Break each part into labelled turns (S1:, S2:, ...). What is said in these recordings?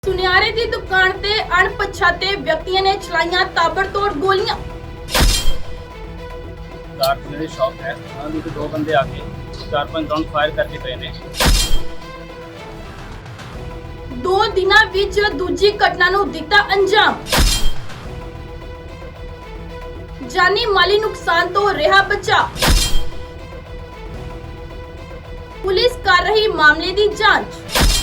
S1: ਸੁਨਿਆਰੇ ਦੀ ਦੁਕਾਨ ਤੇ ਅਣਪਛਾਤੇ ਵਿਅਕਤੀਆਂ ਨੇ ਚਲਾਈਆਂ ਤਾਬੜਤੋੜ ਗੋਲੀਆਂ।
S2: मेरी शॉप है, दो बंदे आके 4-5 राउंड फायर करके गए ने।
S1: 2 ਦਿਨਾਂ ਵਿੱਚ ਦੂਜੀ ਘਟਨਾ ਨੂੰ ਦਿੱਤਾ ਅੰਜਾਮ। ਜਾਨੀ ਮਾਲੀ ਨੁਕਸਾਨ ਤੋਂ ਰਿਹਾ ਬਚਾ। ਪੁਲਿਸ ਕਰ ਰਹੀ ਮਾਮਲੇ ਦੀ ਜਾਂਚ।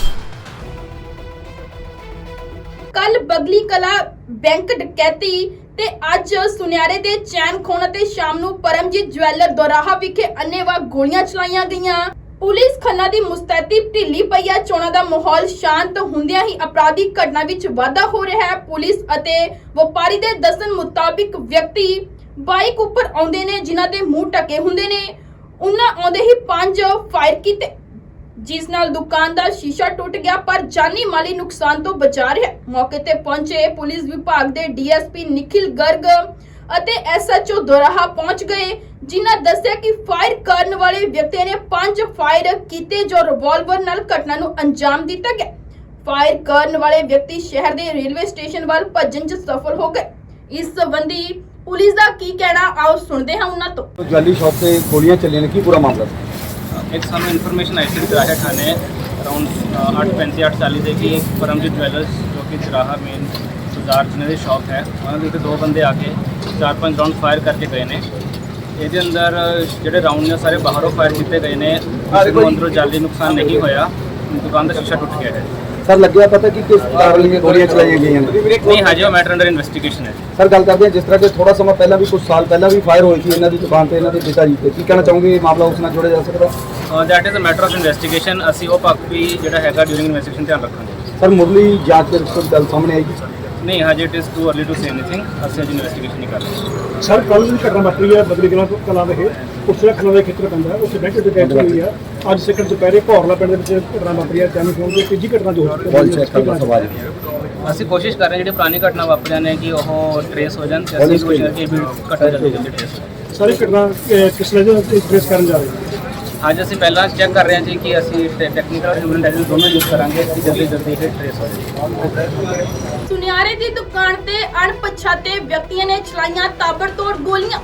S1: ਕੱਲ ਬਗਲੀ ਕਲਾ ਬੈਂਕ ਡਕੈਤੀ ਤੇ ਅੱਜ ਸੁਨਿਆਰੇ ਦੇ ਚੈਨ ਖੋਣ ਅਤੇ ਸ਼ਾਮ ਨੂੰ ਪਰਮਜੀਤ ਜਵੈਲਰ ਦੋਰਾਹਾ ਵਿਖੇ ਅੰਨ੍ਹੇਵਾਹ ਗੋਲੀਆਂ ਚਲਾਈਆਂ ਗਈਆਂ। ਪੁਲਿਸ ਖੰਨਾ ਦੀ ਮੁਸਤੈਦੀ ਢਿੱਲੀ ਪਈ ਹੈ। ਚੋਣਾਂ ਦਾ ਮਾਹੌਲ ਸ਼ਾਂਤ ਹੁੰਦਿਆਂ ਹੀ ਅਪਰਾਧਿਕ ਘਟਨਾ ਵਿੱਚ ਵਾਧਾ ਹੋ ਰਿਹਾ ਹੈ। ਪੁਲਿਸ ਅਤੇ ਵਪਾਰੀ ਦੇ ਦੱਸਣ ਮੁਤਾਬਿਕ ਵਿਅਕਤੀ ਬਾਈਕ ਉੱਪਰ ਆਉਂਦੇ ਨੇ ਜਿਨ੍ਹਾਂ ਦੇ ਮੂੰਹ ਢਕੇ ਹੁੰਦੇ ਨੇ। ਉਹਨਾਂ ਆਉਂਦੇ ਹੀ 5 ਫਾਇਰ ਕੀਤੇ ਜਿਸ ਨਾਲ ਦੁਕਾਨ ਦਾ ਸ਼ੀਸ਼ਾ ਟੁੱਟ ਗਿਆ ਪਰ ਜਾਨੀ ਮਾਲੀ ਨੁਕਸਾਨ ਤੋਂ ਬਚਾ ਰਿਹਾ। ਮੌਕੇ ਤੇ ਪਹੁੰਚੇ ਪੁਲਿਸ ਵਿਭਾਗ ਦੇ ਡੀਐਸਪੀ ਨਿਖਿਲ ਗਰਗ ਅਤੇ ਐਸਐਚਓ ਦੋਰਾਹਾ ਪਹੁੰਚ ਗਏ ਜਿਨ੍ਹਾਂ ਦੱਸਿਆ ਕਿ ਫਾਇਰ ਕਰਨ ਵਾਲੇ ਵਿਅਕਤੀ ਨੇ 5 ਫਾਇਰ ਕੀਤੇ ਜੋ ਰਿਵਾਲਵਰ ਨਾਲ ਘਟਨਾ ਨੂੰ ਅੰਜਾਮ ਦਿੱਤਾ ਗਿਆ। ਫਾਇਰ ਕਰਨ ਵਾਲੇ ਵਿਅਕਤੀ ਸ਼ਹਿਰ ਦੇ ਰੇਲਵੇ ਸਟੇਸ਼ਨ ਵੱਲ ਭੱਜਣ 'ਚ ਸਫਲ ਹੋ ਗਏ। ਇਸ ਸੰਬੰਧੀ ਪੁਲਿਸ ਦਾ ਕੀ ਕਹਿਣਾ ਆਓ ਸੁਣਦੇ ਹਾਂ ਉਹਨਾਂ ਤੋਂ।
S3: ज्वेलरी शॉप पे गोलियां चली ने की पूरा मामला था?
S2: एक सामने इन्फॉर्मेशन आई थी चराहा थाने अराउंड 8:35-8:40 ਦੇ ਕਿ ਪਰਮਜੀਤ ਜਵੈਲਰਸ ਜੋ ਕਿ ਚਰਾਹਾ ਮੇਨ ਬਾਜ਼ਾਰ ਜਿਹਨਾਂ ਦੀ ਸ਼ਾਪ ਹੈ ਉਹਨਾਂ ਦੇ 2 ਬੰਦੇ ਆ ਕੇ 4-5 ਰਾਉਂਡ ਫਾਇਰ ਕਰਕੇ ਗਏ ਨੇ। ਇਹਦੇ ਅੰਦਰ ਜਿਹੜੇ ਰਾਉਂਡ ਨੇ ਸਾਰੇ ਬਾਹਰੋਂ ਫਾਇਰ ਕੀਤੇ ਗਏ ਨੇ। ਅੰਦਰੋਂ ਜਾਨੀ ਨੁਕਸਾਨ ਨਹੀਂ ਹੋਇਆ। ਦੁਕਾਨ ਦਾ ਸ਼ੀਸ਼ਾ ਟੁੱਟ ਗਿਆ ਹੈ।
S3: सर लग गया पता कि किस कारण में गोलियां चलाई गई हैं?
S2: नहीं हजे वो मैटर अंडर इन्वेस्टिगेशन है।
S3: सर गल करते हैं जिस तरह के थोड़ा समय पहला भी कुछ साल पहला भी फायर हुई थी इन्हों की दुकान पे इन्हों के पिताजी पे की कहना चाहूँगे ये मामला उसमें जोड़ा जा सकता?
S2: That is a matter of investigation. ਅਸੀਂ ਉਹ ਪੱਖ ਵੀ ਜਿਹੜਾ ਹੈਗਾ ਡਿਊਰਿੰਗ ਇਨਵੈਸਟੀਗੇਸ਼ਨ ਧਿਆਨ ਰੱਖਾਂਗੇ।
S3: सर मुरली जांच के रिपोर्ट गल सामने आएगी?
S2: नहीं हजे it is too early to say anything. ਅਸੀਂ ਅਜੇ ਇਨਵੈਸਟੀਗੇਸ਼ਨ ਨਹੀਂ ਕਰ ਰਹੇ।
S4: ਸਰ ਕੱਲ੍ਹ ਦੀ ਘਟਨਾ ਵਾਪਰੀ ਹੈ ਬਦਲੀ ਕਲਾਂ ਦੇ ਉਸ ਖੰਨਾ ਦੇ ਖੇਤਰ ਪੈਂਦਾ ਹੈ। ਉੱਥੇ ਬੈਂਕ ਡਕੈਤੀ ਹੋਈ ਹੈ। ਅੱਜ ਸੈਕੰਡ ਦੁਪਹਿਰੇ ਭੌਰਲਾ ਪਿੰਡ ਦੇ ਵਿੱਚ ਘਟਨਾ ਵਾਪਰੀ ਹੈ। ਜਾਨੀ ਫੋਨ ਦੀ ਤੀਜੀ ਘਟਨਾ ਜੋ
S3: बॉल चेक करना सवाल
S2: ਅਸੀਂ ਕੋਸ਼ਿਸ਼ ਕਰ ਰਹੇ ਹਾਂ ਜਿਹੜੀ ਪੁਰਾਣੀ ਘਟਨਾ ਵਾਪਰੀਆਂ ਨੇ ਕਿ ਉਹ ਟਰੇਸ ਹੋ ਜਾਣ ਤੇ ਅਸੀਂ ਕੋਸ਼ਿਸ਼ ਕਰਕੇ ਵੀ ਘਟਨਾ ਜਲਦੀ ਜਲਦੀ ਟਰੇਸ ਹੋ।
S4: ਸਾਰੀ ਘਟਨਾ ਕਿਸ ਵਜ੍ਹਾ ਤੋਂ ਟ੍ਰੇਸ ਕਰਨ ਜਾ ਰਹੇ ਹੋ?
S2: ਅੱਜ ਅਸੀਂ ਪਹਿਲਾਂ ਚੈੱਕ ਕਰ ਰਹੇ ਹਾਂ ਜੀ ਕਿ ਅਸੀਂ ਟੈਕਨੀਕਲ ਔਰ ਹਿਊਮਨ ਇੰਟੈਲੀਜੈਂਸ ਦੋਨੋਂ ਯੂਜ਼ ਕਰਾਂਗੇ ਕਿ ਜਲਦੀ ਜਲਦੀ ਇਹ ਟਰੇਸ ਹੋ ਜਾਏ।
S1: ਸੁਨਿਆਰੇ ਦੀ ਦੁਕਾਨ ਤੇ ਅਣਪਛਾਤੇ ਵਿਅਕਤੀਆਂ ਨੇ ਚਲਾਈਆਂ ਤਾਬੜਤੋੜ ਗੋਲੀਆਂ।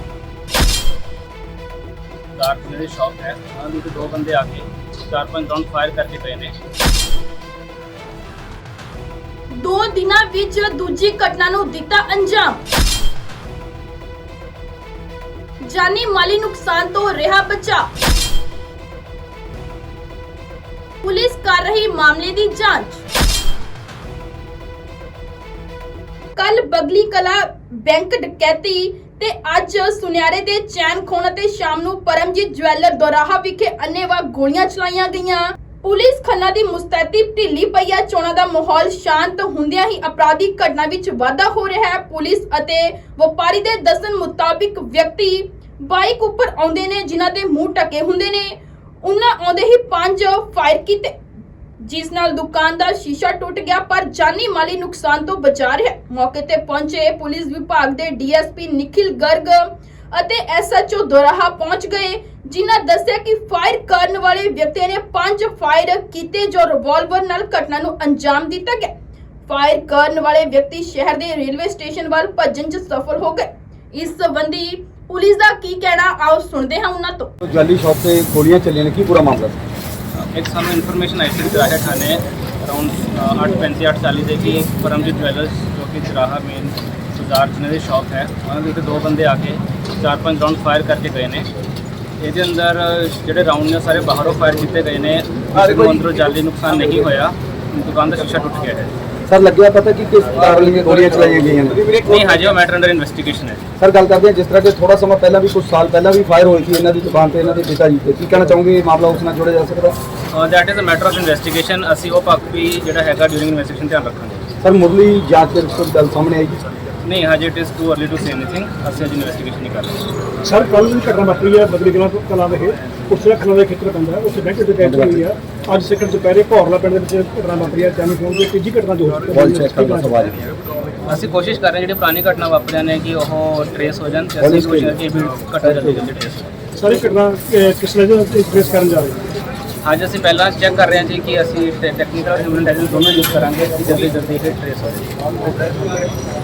S2: ਮੇਰੀ ਸ਼ਾਪ ਹੈ ਉਹਨਾਂ ਦੇ 2 ਬੰਦੇ ਆ ਕੇ 4-5 ਰਾਉਂਡ ਫਾਇਰ ਕਰਕੇ ਗਏ ਨੇ।
S1: 2 ਦਿਨਾਂ ਵਿੱਚ ਦੂਜੀ ਘਟਨਾ ਨੂੰ ਦਿੱਤਾ ਅੰਜਾਮ। ਜਾਨੀ ਮਾਲੀ ਨੁਕਸਾਨ ਤੋਂ ਰਿਹਾ ਬਚਾ। ਪੁਲਿਸ ਕਰ ਰਹੀ ਮਾਮਲੇ ਦੀ ਜਾਂਚ। ਕੱਲ ਬਗਲੀ ਕਲਾ ਬੈਂਕ ਡਕੈਤੀ ਤੇ ਅੱਜ ਸੁਨਿਆਰੇ ਦੇ ਚੈਨ ਖੋਣ ਅਤੇ ਸ਼ਾਮ ਨੂੰ ਪਰਮਜੀਤ ਜਵੈਲਰ ਦੋਰਾਹਾ ਵਿਖੇ ਅੰਨ੍ਹੇਵਾਹ ਗੋਲੀਆਂ ਚਲਾਈਆਂ ਗਈਆਂ। ਪੁਲਿਸ ਖੰਨਾ ਦੀ ਮੁਸਤੈਦੀ ਢਿੱਲੀ ਪਈ ਹੈ। ਚੋਣਾਂ ਦਾ ਮਾਹੌਲ ਸ਼ਾਂਤ ਹੁੰਦਿਆਂ ਹੀ ਅਪਰਾਧਿਕ ਘਟਨਾ ਵਿੱਚ ਵਾਧਾ ਹੋ ਰਿਹਾ ਹੈ। ਪੁਲਿਸ ਅਤੇ ਵਪਾਰੀ ਦੇ ਦੱਸਣ ਮੁਤਾਬਿਕ ਵਿਅਕਤੀ ਬਾਈਕ ਉੱਪਰ ਆਉਂਦੇ ਨੇ ਜਿਨ੍ਹਾਂ ਦੇ ਮੂੰਹ ਢਕੇ ਹੁੰਦੇ ਨੇ। ਉਹਨਾਂ ਆਉਂਦੇ ਹੀ 5 ਫਾਇਰ ਕੀਤੇ ਜਿਸ ਨਾਲ ਦੁਕਾਨ ਦਾ ਸ਼ੀਸ਼ਾ ਟੁੱਟ ਗਿਆ ਪਰ ਜਾਨੀ ਮਾਲੀ ਨੁਕਸਾਨ ਤੋਂ ਬਚਾ ਰਿਹਾ। ਮੌਕੇ ਤੇ ਪਹੁੰਚੇ ਪੁਲਿਸ ਵਿਭਾਗ ਦੇ ਡੀਐਸਪੀ ਨਿਖਿਲ ਗਰਗ ਅਤੇ ਐਸਐਚਓ ਦੋਰਾਹਾ ਪਹੁੰਚ ਗਏ ਜਿਨ੍ਹਾਂ ਦੱਸਿਆ ਕਿ ਫਾਇਰ ਕਰਨ ਵਾਲੇ ਵਿਅਕਤੀ ਨੇ 5 ਫਾਇਰ ਕੀਤੇ ਜੋ ਰਿਵਾਲਵਰ ਨਾਲ ਘਟਨਾ ਨੂੰ ਅੰਜਾਮ ਦਿੱਤਾ ਗਿਆ। ਫਾਇਰ ਕਰਨ ਵਾਲੇ ਵਿਅਕਤੀ ਸ਼ਹਿਰ ਦੇ ਰੇਲਵੇ ਸਟੇਸ਼ਨ ਵੱਲ ਭੱਜਣ 'ਚ ਸਫਲ ਹੋ ਗਏ। ਇਸ ਸੰਬੰਧੀ ਪੁਲਿਸ ਦਾ ਕੀ ਕਹਿਣਾ ਆਓ ਸੁਣਦੇ ਹਾਂ ਉਹਨਾਂ ਤੋਂ।
S3: ज्वेलरी शॉप पे गोलियां चली ने की पूरा मामला था?
S2: ਇੱਕ ਸਾਹਮਣੇ ਇਨਫੋਰਮੇਸ਼ਨ ਆਈ ਸੀ ਚਰਾਹਾ ਥਾਣੇ ਅਰਾਊਂਡ 8:35-8:40 ਦੇ ਕਿ ਪਰਮਜੀਤ ਜਵੈਲਰਸ ਜੋ ਕਿ ਚਰਾਹਾ ਮੇਨ ਬਾਜ਼ਾਰ ਜਿਹਨਾਂ ਦੀ ਸ਼ਾਪ ਹੈ ਉਹਨਾਂ ਦੇ 2 ਬੰਦੇ ਆ ਕੇ 4-5 ਰਾਉਂਡ ਫਾਇਰ ਕਰਕੇ ਗਏ ਨੇ। ਇਹਦੇ ਅੰਦਰ ਜਿਹੜੇ ਰਾਉਂਡ ਨੇ ਸਾਰੇ ਬਾਹਰੋਂ ਫਾਇਰ ਕੀਤੇ ਗਏ ਨੇ। ਅੰਦਰੋਂ ਜਾਨੀ ਨੁਕਸਾਨ ਨਹੀਂ ਹੋਇਆ। ਦੁਕਾਨ ਦਾ ਸ਼ੀਸ਼ਾ ਟੁੱਟ ਗਿਆ ਹੈ।
S3: सर लग गया पता कि किस कारण में गोलियां चलाई गई हैं?
S2: नहीं हजे वो मैटर अंडर इन्वेस्टिगेशन है।
S3: सर गल करते हैं जिस तरह के थोड़ा समय पहला भी कुछ साल पहला भी फायर हुई थी इन्हों की दुकान पे इन्हों के पिताजी पे की कहना चाहूँगे ये मामला उसमें जोड़ा जा सकता?
S2: That is a matter of investigation. ਅਸੀਂ ਉਹ ਪੱਖ ਵੀ ਜਿਹੜਾ ਹੈਗਾ ਡਿਊਰਿੰਗ ਇਨਵੈਸਟੀਗੇਸ਼ਨ ਧਿਆਨ ਰੱਖਾਂਗੇ।
S3: सर मुरली जांच के रिपोर्ट गल सामने आएगी?
S2: नहीं हजे it is too early to say anything. ਅਸੀਂ ਅਜੇ ਇਨਵੈਸਟੀਗੇਸ਼ਨ ਨਹੀਂ ਕਰ ਰਹੇ।
S4: ਸਰ ਕੱਲ੍ਹ ਦੀ ਘਟਨਾ ਵਾਪਰੀ ਹੈ ਬਦਲੀ ਕਲਾਂ ਦੇ ਉਸ ਖੰਨਾ ਦੇ ਖੇਤਰ ਪੈਂਦਾ ਹੈ। ਉੱਥੇ ਬੈਂਕ ਡਕੈਤੀ ਹੋਈ ਹੈ। ਅੱਜ ਸੈਕੰਡ ਦੁਪਹਿਰੇ ਭੌਰਲਾ ਪਿੰਡ ਦੇ ਵਿੱਚ ਘਟਨਾ ਵਾਪਰੀ ਹੈ। ਜਾਨੀ ਫੋਨ ਦੀ ਤੀਜੀ ਘਟਨਾ ਜੋ
S3: बॉल चेक करना सवाल
S2: ਅਸੀਂ ਕੋਸ਼ਿਸ਼ ਕਰ ਰਹੇ ਹਾਂ ਜਿਹੜੀ ਪੁਰਾਣੀ ਘਟਨਾ ਵਾਪਰੀਆਂ ਨੇ ਕਿ ਉਹ ਟਰੇਸ ਹੋ ਜਾਣ ਤੇ ਅਸੀਂ ਕੋਸ਼ਿਸ਼ ਕਰਕੇ ਵੀ ਘਟਨਾ ਜਲਦੀ ਜਲਦੀ ਟਰੇਸ ਹੋ।
S4: ਸਾਰੀ ਘਟਨਾ ਕਿਸ ਵਜ੍ਹਾ ਤੋਂ ਟ੍ਰੇਸ ਕਰਨ ਜਾ ਰਹੇ ਹੋ?
S2: ਅੱਜ ਅਸੀਂ ਪਹਿਲਾਂ ਚੈੱਕ ਕਰ ਰਹੇ ਹਾਂ ਜੀ ਕਿ ਅਸੀਂ ਟੈਕਨੀਕਲ ਹਿਊਮਨ ਇੰਟੈਲੀਜੈਂਸ ਦੋਨੋਂ ਯੂਜ਼ ਕਰਾਂਗੇ ਕਿ ਜਲਦੀ ਜਲਦੀ ਇਹ ਟ੍ਰੇਸ ਹੋ ਜਾਵੇ।